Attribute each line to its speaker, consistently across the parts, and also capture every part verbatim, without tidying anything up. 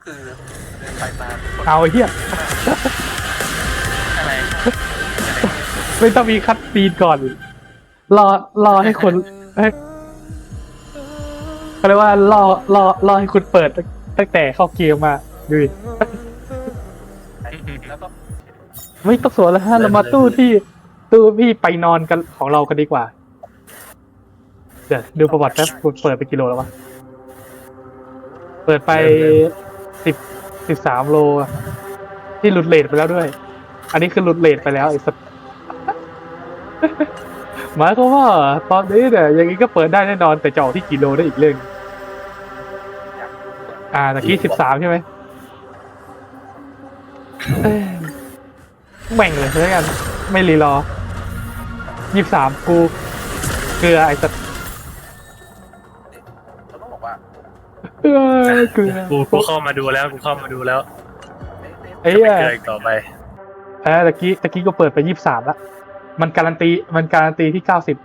Speaker 1: คือเดินไปมา
Speaker 2: เอาไอ้เหี้ย
Speaker 1: อะไร
Speaker 2: ไม่ต้องมีคัดซีนก่อน รอรอให้คนให้เขาเรียกว่ารอรอรอให้คุณเปิดตั้งแต่เข้าเกมมาดูดิ
Speaker 1: แล้วก็
Speaker 2: ไม่ต้องสวนแล้วฮะเรามาตู้ที่ตู้พี่ไปนอนกันของเรากันดีกว่า เดี๋ยวดูประวัติแป๊บคุณเปิดไปกิโลแล้ววะเปิดไปสิบสิบสามโลอะที่หลุดเลทไปแล้วด้วย อันนี้คือหลุดเลทไปแล้วไอ้สัส หมายความว่าตอนนี้เนี่ยอย่างนี้ก็เปิดได้แน่นอนแต่จะออกที่กิโลได้อีกเรื่อง
Speaker 1: อยาก
Speaker 2: อ่าตะกี้สิบสามใช่ไหมเอ้ยแม่งเลยแล้วกันไม่รีรอยี่สามกูเกลือไอ้สัส
Speaker 1: เราต้องบอกว่า
Speaker 2: เออเกลือ
Speaker 3: กูกูเข้ามาดูแล้วกูเข้ามาดูแล้ว
Speaker 2: ไอ้
Speaker 3: จะ
Speaker 2: เหี้
Speaker 3: ไม่
Speaker 2: ย
Speaker 3: เกิดอีกต่อไป
Speaker 2: เออตะกี้ตะกี้ก็เปิดไปยี่สามละมันการันตีมันการันตีที่เก้าสิบ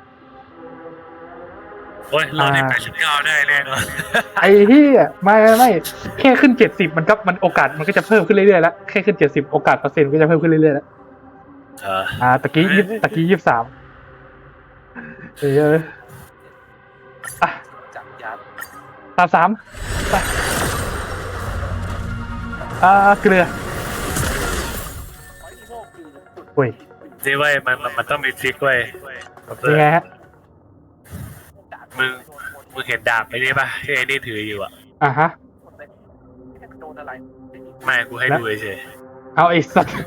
Speaker 3: โอ้ยเราได้แปดสิบเก้าได้แน่นอน
Speaker 2: ไอ้ที่ไม่ไม่ไม่แค่ขึ้นเจ็ดสิบมันก็มันโอกาสมันก็จะเพิ่มขึ้นเรื่อยๆแล้วแค่ขึ้นเจ็ดสิบโอกาสเปอร์เซ็นต์ก็จะเพิ่มขึ้นเรื่อยๆแล้ว
Speaker 3: เออ
Speaker 2: อ่าตะกี้ยี่ตะกี้ยี่สามเอออ่ะ
Speaker 1: จับยัด
Speaker 2: สามสามไปอ่าเกลือ
Speaker 1: ไอ้โม่คือจุด
Speaker 2: โอ้ย
Speaker 3: นี่เว้ยมันมันมันต้องมีทริคเว้ย
Speaker 2: ยังไงฮะ
Speaker 3: มึงมึงเห็นดาบไอ้นี่ป่ะที่ไอ้นี่ถืออยู่อ่ะ
Speaker 2: อ่ะฮะ
Speaker 1: โดนอะไร
Speaker 3: ไม่กูให้ดูเฉย
Speaker 2: เอาไอ้สัตว์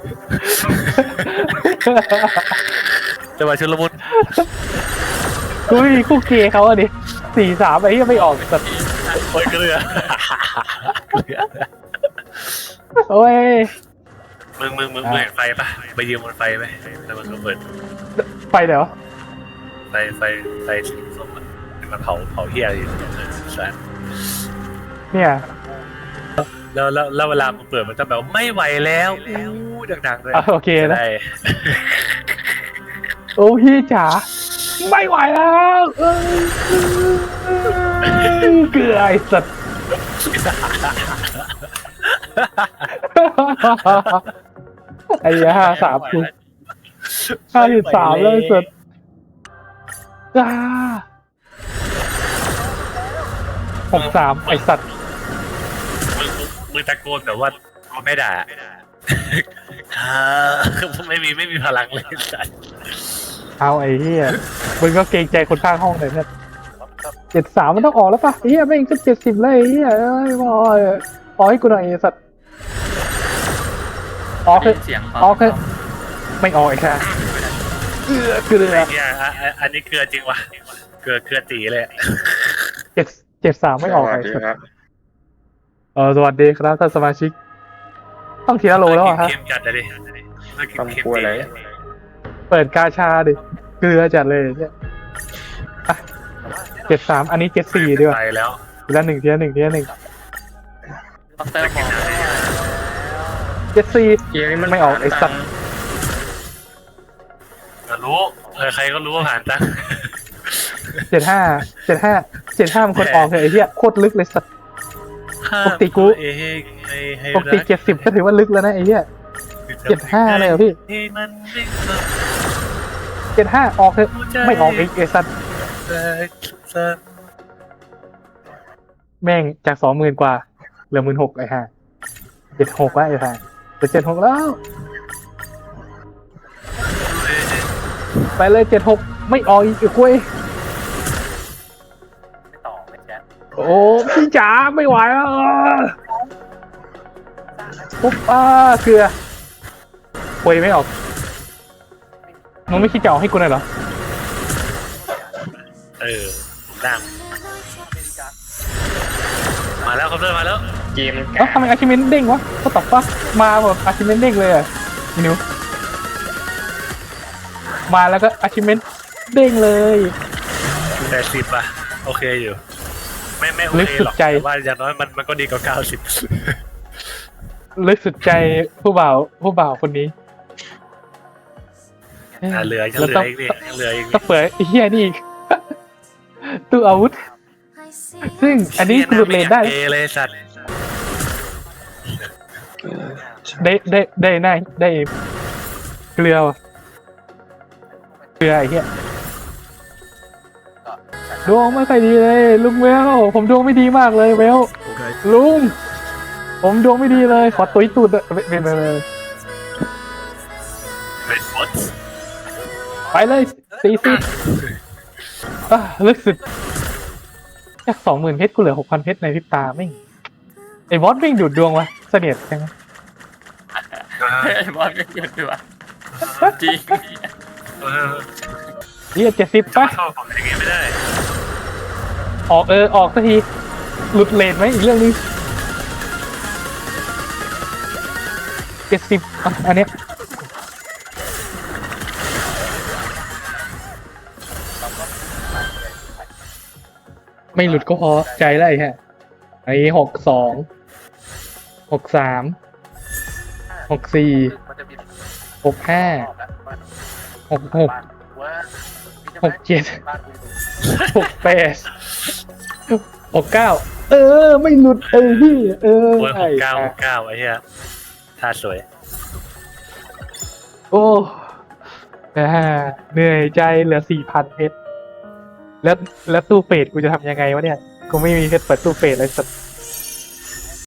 Speaker 3: จังหวะชุลมุน
Speaker 2: กูไม่มีคู่เกย์เขาอ่ะดิสี่สามไอ้ที่ไม่ออกสัตว์
Speaker 3: โอ้ยเกลือ
Speaker 2: โอ้ย
Speaker 3: มึงมึงมึงมึงเห็นไฟป่ะไปยืมบนไฟไหมแล้วมันก็เปิด
Speaker 2: ไปไหนวะ
Speaker 3: ไฟไฟไฟสีส้มอ่ะมันเผาเผาเฮียอยู่สัส
Speaker 2: เนี่ย
Speaker 3: แล้วแล้วแล้วเวลามันเปิดมันจะแบบไม่ไหวแล้วอู้ดังๆเลย
Speaker 2: อ่ะโอเคนะ
Speaker 3: ได้
Speaker 2: โอ้พี่จ๋าไม่ไหวแล้วเอ้ยเกลือไอ้สัตว์ไอ้ห้าสามคุณห้าสิบสามเลยสัตว์จ้าหกสามไอ้สัตว์
Speaker 3: มึงมึงมึงตะโกนแบบว่าเขาไม่ด่าอ่าไม่มีไม่มีพลังเลยสัส
Speaker 2: เอาไอ้เหี้ยมึงก็เกรงใจคนข้างห้องหน่อยเพื่อนเจ็ดสามมันต้องออกแล้วป่ะไอ้เหี้ยไม่งก็เจ็ดสิบเลยไอ้เหี้ยเอ้ยบอยออกให้กูหน่อยไอ้สัตว์ออกคือ
Speaker 1: เสียง
Speaker 2: ออกคือไม่ออกไอ้ค่ะเกลือเกลือ
Speaker 3: ไอ้เนี่ยอ่ะอ่ะอันนี้เกลือจริงวะเกลือเกลือตีเลย
Speaker 2: เจ็ดเจ็ดสามไม่ออกไอ้สัตว์เออสวัสดีครับท่านสมาชิกต้องทีละโลแล้วอะฮะ
Speaker 3: เค็มจัดเลยดิเค็ม
Speaker 4: ทำ
Speaker 3: เค็ม
Speaker 4: กลัวอะไร
Speaker 3: ตี
Speaker 2: เปิดกาชาดิเกลือจัดเลยเนี่ยเจ็ดสามอันนี้เจ็ดสี่ดีกว่า
Speaker 3: ไปแล้ว
Speaker 2: ทีละหนึ่งทีละหนึ่งทีละหนึ่ง
Speaker 1: ดรบอก
Speaker 2: เจ็ดสี่
Speaker 4: เกมนี้มัน
Speaker 2: ไม่ออกไอ้สัตว์
Speaker 3: รู้เออใครก็รู้ว่าผ่านตั้ง
Speaker 2: เจ็ดห้าเจ็ดห้าเจ็ดห้ามันคนออกเลยไอ้เหี้ยโคตรลึกเลยสัตว์ ปกติกู
Speaker 3: เอ้ให้ให้ให้
Speaker 2: ปกติเจ็ดสิบก็ถือว่าลึกแล้วนะไอ้เหี้ย เจ็ดห้าเลยเหรอพี่
Speaker 3: ให้มันไม่
Speaker 2: เจ็ดห้าออกเถอะไม่ออกอีกไอ้สัตว์
Speaker 3: สัก
Speaker 2: แม่งจากสองหมื่นกว่าเหลือหมื่นหกไอ้ห่าเจ็ดหกว่าไอ้ห่าเหลือเจ็ดหกแล้ว ไปเลยเจ็ดหกไม่ออกอีกไอ้คุย
Speaker 1: ไม่ต่อไม่แชท
Speaker 2: โอ้พี่จ๋าไม่ไหวแล้วปุ๊บอ้าเกลือคุยไม่ออกมึงไม่คิดจะเอาให้กูหน่อยเหรอ
Speaker 3: เออดัง
Speaker 1: อเมริกา
Speaker 3: มาแล้วครับเริ่มมาแล้ว
Speaker 4: เกมมัน
Speaker 2: เอ้าทำไมอาชิเมนเด้งวะก็ตอบปะมาแบบอาชิเมนเด้งเลยอ่ะพี่นิวมาแล้วก็อาชิเมนเด้งเลย
Speaker 3: แปดสิบอ่ะโอเคอยู่ ไม่ไม่โอ
Speaker 2: ลึก
Speaker 3: เค
Speaker 2: สุด
Speaker 3: หรอก
Speaker 2: ใจ
Speaker 3: แต่ว่าอย่างน้อยมันมันก็ดีกว่าเก้าสิบ
Speaker 2: ลึกสุดใจผู้บ่าวผู้บ่าวคนนี้
Speaker 3: อ่าเหลือยัง
Speaker 2: แล้ว
Speaker 3: เหลื
Speaker 2: ต้
Speaker 3: อ
Speaker 2: อง
Speaker 3: อีกนี่ยังเหลืออีก
Speaker 2: ต้องเปิดไอ้เหี้ยนี่อีก ตู้อาวุธ ซึ่งอันนี้หลุดเลนได้
Speaker 3: เอเลยสัตว์
Speaker 4: เออใช่
Speaker 2: ได้ได้ได้ได้ได้เกลือว่ะเกลือไอ้เหี้ยดวงไม่ค่อยดีเลยลุงเวลผมดวงไม่ดีมากเลยเวลลุงผมดวงไม่ดีเลยขอตุยตูดอะเป็นเป็นเป็น
Speaker 3: เป็นบอส
Speaker 2: ไปเลยสี่สิบอ่ะลึกสุดจากสองหมื่นเพชรกูเหลือหกพันเพชรในพริบตาไม่งไอ้บอสไม่งดูดดวงวะเสนียดจัง
Speaker 1: ไอ้บอลไม่หยุดด้วยจริง
Speaker 3: เออ
Speaker 2: เฮียเจ็ดสิบ
Speaker 3: จะ
Speaker 2: ปะ
Speaker 3: มาเข้าของอย่างงี้ไม่ได้
Speaker 2: ออกเออออกสักทีหลุดเลนไหมอีกเรื่องนึงเจ็ดสิบอ่ะอันเนี้ยไม่หลุดก็พอใจแล้วไอ้ฮะไอ้หกสองหกสามหกสี่
Speaker 1: มันจะมี
Speaker 2: หกห้า หกหก
Speaker 1: ว่า
Speaker 2: หกเจ็ด
Speaker 1: บ้านกู
Speaker 2: หกแปดหกเก้าเออ ไม่หลุดเออพี่เออ
Speaker 3: โอ้ยห
Speaker 2: ใช่
Speaker 3: กเก้าหกเก้าไอ้เหี้ยท่าสวย
Speaker 2: โอ้อ่าเหนื่อยใจเหลือสี่พันเพชรแล้วแล้วตู้เฟดกูจะทำยังไงวะเนี่ย กูไม่มีเพชรเปิดตู้เฟดเลยสัก